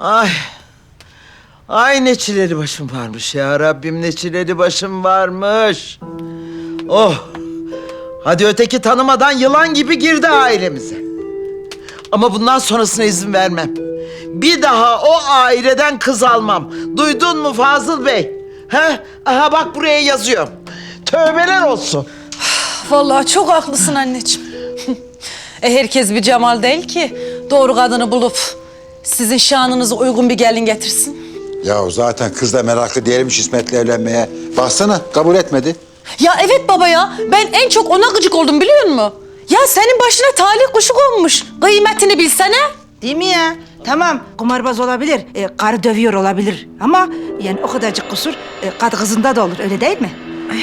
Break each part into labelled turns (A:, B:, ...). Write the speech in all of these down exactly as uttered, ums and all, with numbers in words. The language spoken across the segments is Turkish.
A: Ay. Ay ne çileli başım varmış ya Rabbim, ne çileli başım varmış. Oh. Hadi öteki tanımadan yılan gibi girdi ailemize. Ama bundan sonrasına izin vermem. Bir daha o aileden kız almam. Duydun mu Fazıl Bey? He? Aha bak buraya yazıyorum. Tövbeler olsun.
B: Vallahi çok haklısın anneciğim. e herkes bir Cemal değil ki doğru kadını bulup sizin şanınıza uygun bir gelin getirsin.
C: Ya zaten kız da meraklı değilmiş İsmet'le evlenmeye. Baksana kabul etmedi.
B: Ya evet baba ya, ben en çok ona gıcık oldum biliyor musun? Ya senin başına talih kuşu konmuş. Kıymetini bilsene.
D: Değil mi ya? Tamam, kumarbaz olabilir, e, karı dövüyor olabilir. Ama yani o kadarcık kusur e, kadı kızında da olur, öyle değil mi?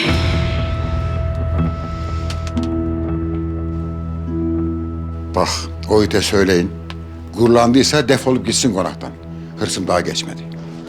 C: Bak o ite söyleyin. Gururlandıysa defolup gitsin konaktan. Hırsım daha geçmedi.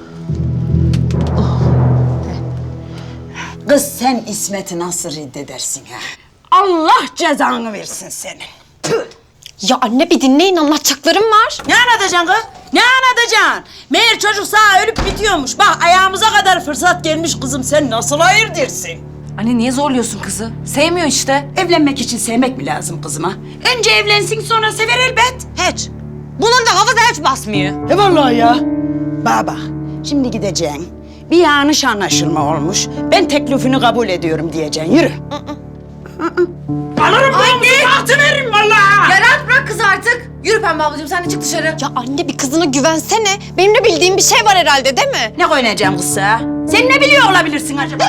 E: Kız sen İsmet'i nasıl reddedersin ha? Allah cezanı versin senin. Tüh!
F: Ya anne bir dinleyin, anlatacaklarım var.
E: Ne anlatacaksın kız? Ne anlatacaksın? Meğer çocuk sağ ölüp bitiyormuş. Bak ayağımıza kadar fırsat gelmiş kızım. Sen nasıl hayır dersin?
B: Anne niye zorluyorsun kızı? Sevmiyor işte.
E: Evlenmek için sevmek mi lazım kızıma? Önce evlensin sonra sever elbet. Hiç. Bunun da hafıza hiç basmıyor. E vallahi ya. Baba şimdi gideceksin. Bir yanlış anlaşılma olmuş. Ben teklifini kabul ediyorum diyeceksin. Yürü. Alırım ben altı veririm vallahi.
B: Ya rahat bırak kızı artık. Yürü Pembe ablacığım sen de çık dışarı.
F: Ya anne bir kızına güvensene. Benim de bildiğim bir şey var herhalde değil mi?
E: Ne oynayacağım kız ha? Sen ne biliyor olabilirsin acaba?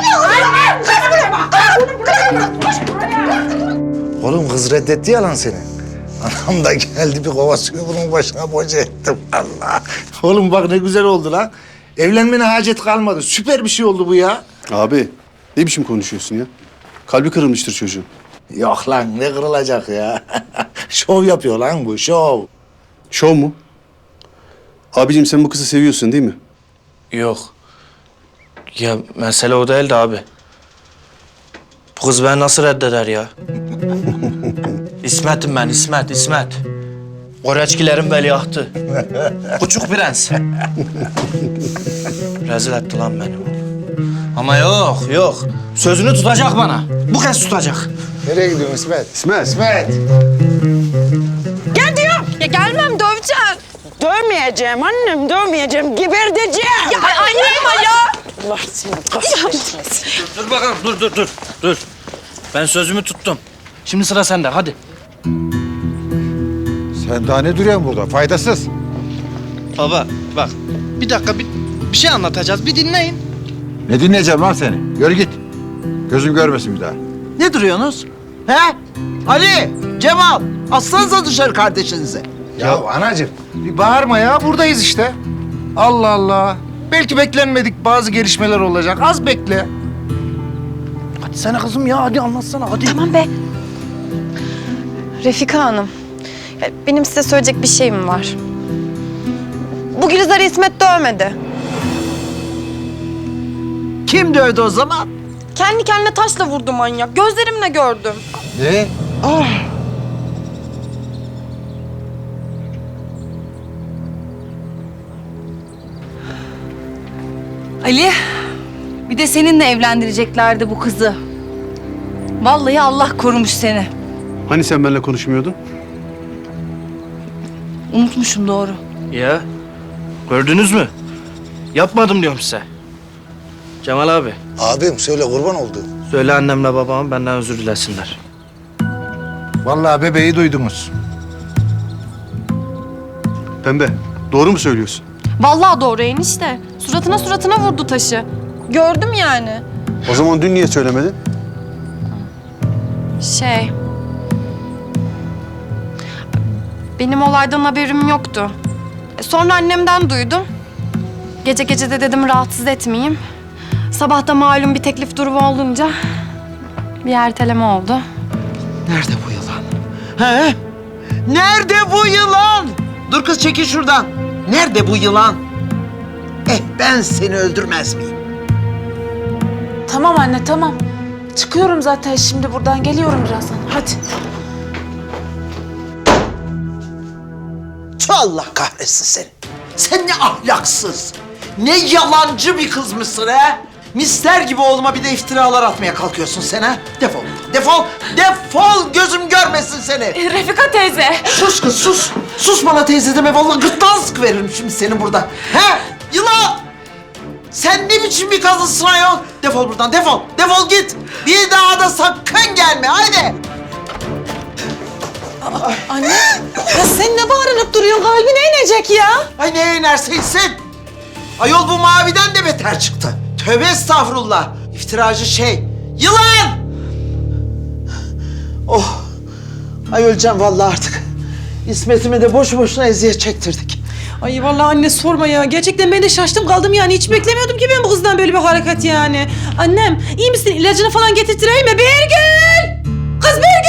G: Oğlum kız reddetti ya lan seni. Anam da geldi bir kova suyu bunun başına boca ettim Allah. Oğlum bak ne güzel oldu lan. Evlenmene hacet kalmadı. Süper bir şey oldu bu ya.
H: Abi ne biçim konuşuyorsun ya? Kalbi kırılmıştır çocuğun.
G: Yok lan ne kırılacak ya. Şov yapıyor lan bu şov.
H: Şov mu? Abicim sen bu kızı seviyorsun değil mi?
I: Yok. Ya mesele o değil de abi. Bu kız beni nasıl reddeder ya? İsmet'im ben, İsmet, İsmet. Koreçkilerin veliahtı. Küçük prens. Rezil etti lan beni. Ama yok, yok. Sözünü tutacak bana. Bu kez tutacak.
G: Nereye gidiyorsun İsmet?
H: İsmet.
G: İsmet.
E: Gel diyorum.
F: Ya gelmem, döveceğim.
E: Dövmeyeceğim annem, dövmeyeceğim. Geberteceğim.
F: Ya anne ya.
E: Allah seni kahretmesin.
I: Dur bakalım, dur, dur, dur. Dur. Ben sözümü tuttum. Şimdi sıra sende, hadi.
C: Sen daha ne duruyorsun burada? Faydasız.
I: Baba, bak. Bir dakika, bir, bir şey anlatacağız. Bir dinleyin.
C: Ne dinleyeceğim lan seni? Yürü git. Gözüm görmesin bir daha.
A: Ne duruyorsunuz? He? Ali, Cemal, aslanıza dışarı kardeşinize.
G: Ya anacığım bir bağırma ya buradayız işte. Allah Allah. Belki beklenmedik bazı gelişmeler olacak. Az bekle.
I: Hadi sana kızım ya, hadi anlatsana, hadi.
F: Tamam be. Refika Hanım, ya benim size söyleyecek bir şeyim var. Bu Gülizar'ı İsmet dövmedi.
A: Kim dövdü o zaman?
F: Kendi kendine taşla vurdu manyak. Gözlerimle gördüm.
C: Ne?
B: Ali, bir de seninle evlendireceklerdi bu kızı. Vallahi Allah korumuş seni.
H: Hani sen benimle konuşmuyordun?
B: Unutmuşum doğru.
I: Ya, gördünüz mü? Yapmadım diyorum size. Cemal abi,
G: Abim söyle kurban oldu.
I: söyle annemle babama benden özür dilesinler.
G: Vallahi bebeği duydunuz.
H: Pembe doğru mu söylüyorsun?
F: Vallahi doğru enişte. Suratına suratına vurdu taşı. Gördüm yani.
H: O zaman dün niye söylemedin?
F: Şey... Benim olaydan haberim yoktu. E, Sonra annemden duydum. Gece gece de dedim rahatsız etmeyeyim. Sabah da malum bir teklif durumu olunca bir erteleme oldu.
A: Nerede bu yılan? He? Nerede bu yılan? Dur kız çekil şuradan. Nerede bu yılan? Eh ben seni öldürmez miyim?
B: Tamam anne tamam. Çıkıyorum zaten şimdi buradan geliyorum birazdan. Hadi.
A: Tüh, Allah kahretsin seni. Sen ne ahlaksız, ne yalancı bir kızmışsın ha? Misler gibi oğluma bir de iftiralar atmaya kalkıyorsun sen ha? Defol, defol, defol gözüm görmesin seni.
F: Refika teyze.
A: Sus kız sus. Sus bana teyze deme. Vallahi gırtlağını sıkıveririm şimdi senin burada. He? Yılan! Sen ne biçim bir kadınsın ayol? Defol buradan defol. Defol git. Bir daha da sakın gelme. Haydi.
B: Anne, ya sen ne bağırınıp duruyorsun? Kalbine inecek ya.
A: Ay ne inerse insin. Ayol bu maviden de beter çıktı. Tövbe estağfurullah. İftiracı şey. Yılan! Oh. Ay öleceğim vallahi artık. İsmet'ime de boşu boşuna eziyet çektirdik.
B: Ay vallahi anne sorma ya. Gerçekten ben de şaştım kaldım yani. Hiç beklemiyordum ki ben bu kızdan böyle bir hareket yani. Annem iyi misin? İlacını falan getirtireyim mi? Birgül! Kız Birgül!